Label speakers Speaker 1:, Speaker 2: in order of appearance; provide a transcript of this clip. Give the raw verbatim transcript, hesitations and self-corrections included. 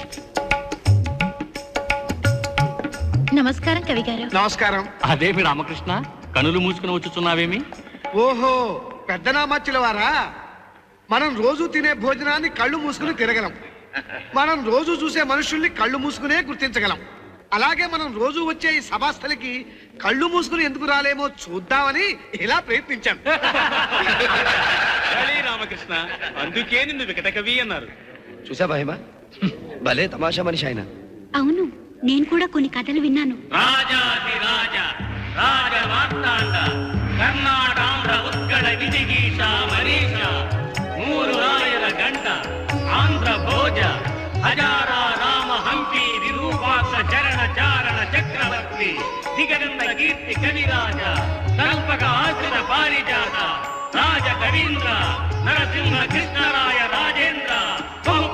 Speaker 1: నమస్కారం కవి గారు.
Speaker 2: నమస్కారం.
Speaker 3: అదేమి రామకృష్ణ, కనులు మూసుకుని వచ్చుచున్నావేమి?
Speaker 2: ఓహో, పెద్ద నామచ్చుల వారా. మనం రోజు తినే భోజనాన్ని కళ్ళు మూసుకుని తిరగలం. మనం రోజు చూసే మనుషుల్ని కళ్ళు మూసుకునే గుర్తించగలం. అలాగే మనం రోజు వచ్చే ఈ సభాస్థలికి కళ్ళు మూసుకుని ఎందుకు రాలేమో చూద్దామని ఇలా ప్రయత్నించాం.
Speaker 3: రామకృష్ణ, అందుకే నిన్ను వికట కవి అన్నారు.
Speaker 4: చూసా మహిమ, భలే తమాషా మనిషి ఆయన.
Speaker 1: అవును, నేను కూడా కొన్ని కథలు విన్నాను.
Speaker 3: రాజాది రాజ రాజ మార్తాండ కర్ణాటాంధ్ర ఉత్కళ విజిగీష మనీష మూరు రాయల గంట ఆంధ్ర భోజ హజారా రామ హంపి విరూపాక్ష చరణ చారణ చక్రవర్తి దిగంత కీర్తి కవిరాజ కల్పక ఆశ్రిత పారిజాత రాజ కవీంద్ర నరసింహ కృష్ణరాయ రాజేంద్ర బహు